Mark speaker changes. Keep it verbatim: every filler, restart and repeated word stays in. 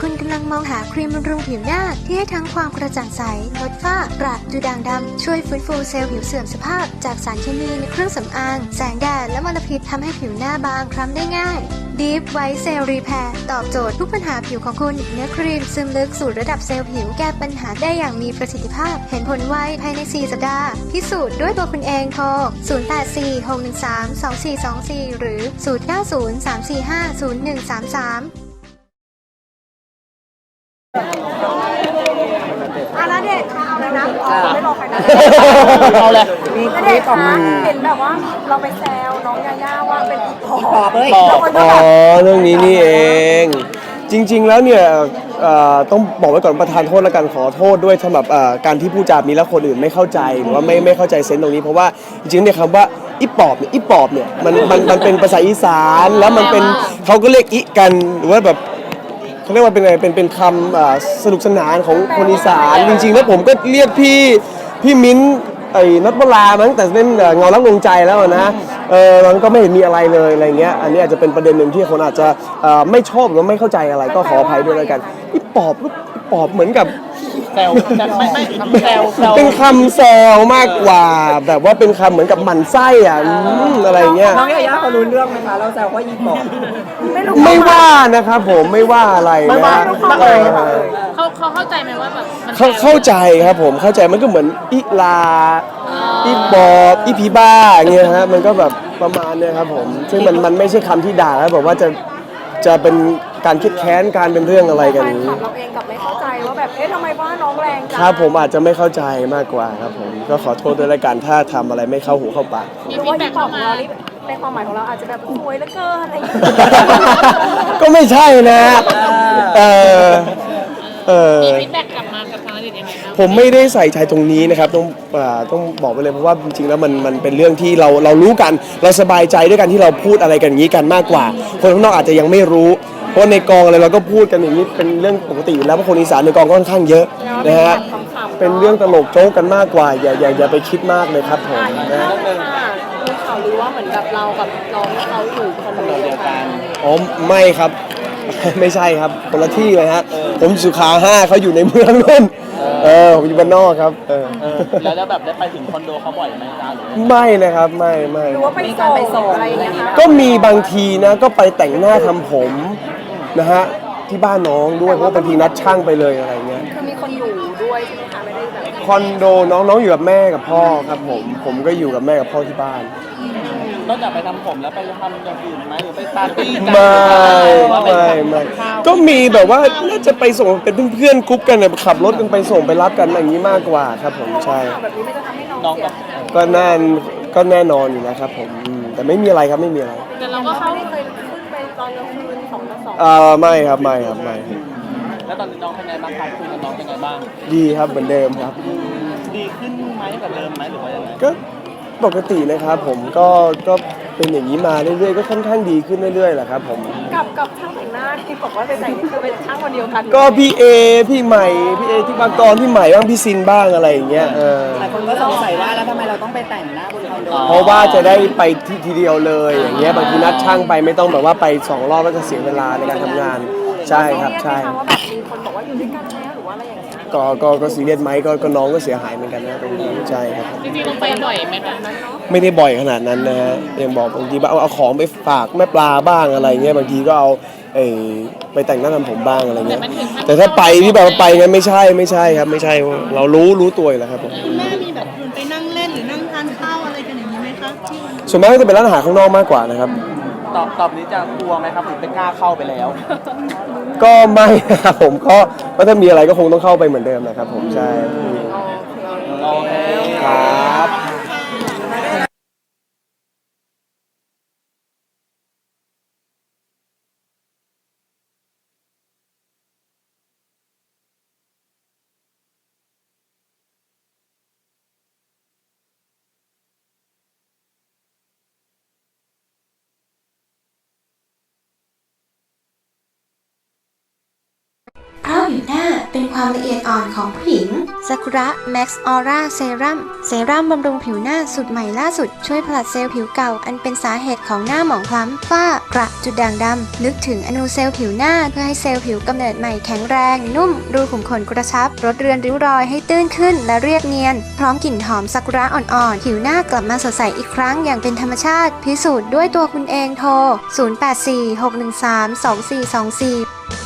Speaker 1: คุณกำลังมองหาครีมบำรุงผิวหน้าที่ให้ทั้งความกระจ่างใสลดฝ้ากระดูด่างดำช่วยฟื้นฟูเซลล์ผิวเสื่อมสภาพจากสารเคมีในเครื่องสำอางแสงแดดและมลพิษทำให้ผิวหน้าบางคล้ำได้ง่าย Deep White Cell Repair ตอบโจทย์ทุกปัญหาผิวของคุณเนื้อครีมซึมลึกสู่ระดับเซลล์ผิวแก้ปัญหาได้อย่างมีประสิทธิภาพเห็นผลไวภายในสี่สัปดาห์พิสูจน์ด้วยตัวคุณเองโทรศูนย์ แปด สี่ หก หนึ่ง สาม สอง สี่ สอง สี่ หรือศูนย์ เก้า ศูนย์ สาม สี่ ห้า ศูนย์ หนึ่ง สาม สาม
Speaker 2: อาณาเดชเอาเลยนะไม่รอใครนะ
Speaker 3: เอาเลย
Speaker 2: มีณเดชน์คะเห็นแบบว่าเราไปแซวน้องยาย่าว่าเป็นอีปอบเลย
Speaker 3: อ๋อเรื่องนี้นี่เองจริงๆแล้วเนี่ยต้องบอกไว้ก่อนประทานโทษและกันขอโทษด้วยสำหรับการที่ผู้จามีแล้วคนอื่นไม่เข้าใจหรือว่าไม่ไม่เข้าใจเซนส์ตรงนี้เพราะว่าจริงๆเนี่ยคำว่าอีปอบเนี่ยอีปอบเนี่ยมันมันมันเป็นภาษาอีสานแล้วมันเป็นเขาก็เรียกอีกันหรือว่าแบบเขาเรียกว่าเป็นไงเป็นเป็นคำสนุกสนานของคนอีสานจริงๆแล้วผมก็เรียกพี่พี่มิ้นไอ้นัทวรามาตั้งแต่เล่นเงารักดวงใจแล้วนะเออมันก็ไม่เห็นมีอะไรเลยอะไรเงี้ยอันนี้อาจจะเป็นประเด็นหนึ่งที่คนอาจจะไม่ชอบหรือไม่เข้าใจอะไรก็ขออภัยด้วยแล้วกันอีปอบลูกปอบเหมือนกับ
Speaker 4: แซวไม่ไม่แซว
Speaker 3: เป็นคำแซวมากกว่าแบบว่าเป็นคำเหมือนกับหมั่นไส้อ่ะอะไรเงี้ย
Speaker 2: น้องยาย่าเขารู้เรื่องไหมคะเราแซวว่าอีปอบ
Speaker 3: ไม่ว่านะครับผมไม่ว่าอะไรไม่ว่า
Speaker 5: เขาเขาเข้าใจไหมว่าแบบ
Speaker 3: เขาเข้าใจครับผมเข้าใจมันก็เหมือนอีลาอีบอบอีผีบ้าเงี้ยฮะมันก็แบบประมาณเนี้ยครับผมซึ่งมันมันไม่ใช่คำที่ด่าแล้วบอกว่าจะจะเป็นการคิดแค้นการเป็นเรื่องอะไรกันนี้
Speaker 2: เราเองกับไม่เข้าใจว่าแบบเอ๊ะทำไมว่าน้องแรงจัง
Speaker 3: ครับผมอาจจะไม่เข้าใจมากกว่าครับผมก็ขอโทษด้วยละกันถ้าทำอะไรไม่เข้าหูเข้าปาก
Speaker 2: หรือว่าอีปอบของเรานี่ในความหมายของเราอาจจะแบบสวยเหลือเกินอะไรอย่างเงี้ย
Speaker 3: ก็ไม่ใช่นะเออเออ
Speaker 5: มีฟีดแบ็กกลับมากับทางอดีตยังไงบ้าง
Speaker 3: ผมไม่ได้ใส่ใจตรงนี้นะครับต้องต้องบอกไปเลยเพราะว่าจริงๆแล้วมันมันเป็นเรื่องที่เราเรารู้กันเราสบายใจด้วยกันที่เราพูดอะไรกันอย่างนี้กันมากกว่าคนข้างนอกอาจจะยังไม่รู้เพราะในกองอะไรเราก็พูดกันอย่างนี้เป็นเรื่องปกติอยู่แล้วเพราะคนอีสานในกองก็ค่อนข้างเยอะนะฮะเป็นเรื่องตลกโจ๊กกันมากกว่าอย่าอย่าอย่าไปคิดมากเลยครับผมนะ
Speaker 2: มีข่าวลือว่าเหมือนกับเรากับน้องเขาอยู่คอนโดเดียวกัน
Speaker 3: อ๋อไม่ครับไม่ใช่ครับคนละที่เลยฮะผมสุขาห้าเขาอยู่ในเมืองนู่นเออผมอยู่บ้านนอกครับเออ
Speaker 4: แล้วแบบได้ไปถึงคอนโดเขาบ่อยไหมจ๊ะหรือ
Speaker 3: ไม่นะครับไม่ไม่
Speaker 2: หรือว่าไปส่งไปส่งอะไรอย่างเงี้ยคะ
Speaker 3: ก็มีบางทีนะก็ไปแต่งหน้าทำผมนะฮะที่บ้านน้องด้วยเพราะบางทีนัดช่างไปเลยอะไรเงี้ย
Speaker 2: คือมีคนอยู่ด้วยใช่ไหมคะไม่ได้แบบ
Speaker 3: คอนโดน้องน้องอยู่กับแม่กับพ่อครับผมผมก็อยู่กับแม่กับพ่อที่บ้าน
Speaker 4: นอกจากไปทำผมแล้วไปทำอย่างอื่นไหมหรือไปปาร์ตี้
Speaker 3: กันไม่ไม่ไม่ก็มีแบบว่าน่าจะไปส่งเป็นเพื่อนๆกรุ๊ปกันแบบขับรถกันไปส่งไปรับกันอย่างนี้มากกว่าครับผมใช่
Speaker 2: แบบนี้ไม่จะทำให้น้องเสีย
Speaker 3: ก็แน่นก็แน่นอนอยู่นะครับผมแต่ไม่มีอะไรครับไม่มีอะไร
Speaker 5: แต่เราก็เข้า
Speaker 2: ไม่เคยขึ้นไปตอนกลางคืนสองต่อสอง
Speaker 3: อ่าไม่ครับไม่ครับไม่
Speaker 4: แล้วตอนนี้น้องเป็นไงบ้างครับคุยกับน้องเป็นไงบ้าง
Speaker 3: ดีครับเหมือนเดิมครับ
Speaker 4: ดีขึ้นไหมกับเดิมไหมหรือว่ายังไง
Speaker 3: ก็ปกตินะครับผมก็ก็เป็นอย่างนี้มาเรื่อยๆก็ค่อนข้างดีขึ้นเรื่อยๆแหละครับผม
Speaker 2: กับกับช่างแต่งหน้าที่บอกว่าไปแต่งนี่คือเป็นช่างคนเดียวกัน
Speaker 3: ก็พี่เอพี่ใหม่พี่เอที่บางกรพี่ใหม่บ้างพี่ซินบ้างอะไรอย่างเงี้ยเออ
Speaker 2: หลายคนก็สงสัยว่าแล้วทำไมเราต้องไปแต่งหน้าบนคอนโด
Speaker 3: เพราะว่าจะได้ไปที่ทีเดียวเลยอย่างเงี้ยบางทีนัดช่างไปไม่ต้องแบบว่าไปสองรอบแล้วจะเสียเวลาในการทำงานใช่ครับใช่
Speaker 2: ว่าแบบมีคนบอกว่าอยู่ด้วยกันแล้วหรือว่าอะไรอย่างเงี้ย
Speaker 3: ก็ก็ก็ซีเรียสไหมก็ก็น้องก็เสียหายเหมือนกันนะตรงนี้ใช่ครับ
Speaker 5: จริงๆลงไปบ่อยไหมคะ
Speaker 3: ไม่ได้บ่อยขนาดนั้นนะฮะยังบอกบางทีเอาเอาของไปฝากแม่ปลาบ้างอะไรเงี้ยบางทีก็เอาเอไปแต่งหน้าทำผมบ้างอะไรเงี้ยแต่ถ้าไปที่แบบไปงั้นไม่ใช่ไม่ใช่ครับไม่ใช่เรารู้รู้ตัวอยู่แล้วครับผม
Speaker 2: คุณแม่มีแบบไปนั่งเล่นหรือนั่งทานข้าวอะไรกันอย่างนี้ไหมคะ
Speaker 3: ส่วนมากก็จะเป็นร้านอาหารข้างนอกมากกว่านะครับ
Speaker 4: ตอบตอบนี้จะกลัวไหมครับหรือไม่กล้าเข้าไปแล้ว
Speaker 3: ก็ไม่ครับผมก็ก็ถ้ามีอะไรก็คงต้องเข้าไปเหมือนเดิมนะครับผมใช่
Speaker 4: โอเค
Speaker 3: ครับ
Speaker 1: เพราะผิวหน้าเป็นความละเอียดอ่อนของผู้หญิงซากุระแม็กซ์ออร่าเซรั่มเซรั่มบำรุงผิวหน้าสูตรใหม่ล่าสุดช่วยผลัดเซลล์ผิวเก่าอันเป็นสาเหตุของหน้าหมองคล้ำฝ้ากระจุดด่างดำนึกถึงอนูเซลล์ผิวหน้าเพื่อให้เซลล์ผิวกำเนิดใหม่แข็งแรงนุ่มรูขุมขนกระชับลดเรือนริ้วรอยให้ตื้นขึ้นและเรียบเนียนพร้อมกลิ่นหอมซากุระอ่อนๆผิวหน้ากลับมาสดใสอีกครั้งอย่างเป็นธรรมชาติพิสูจน์ด้วยตัวคุณเองโทรศูนย์ แปด สี่ หก หนึ่ง สาม สอง สี่ สอง สี่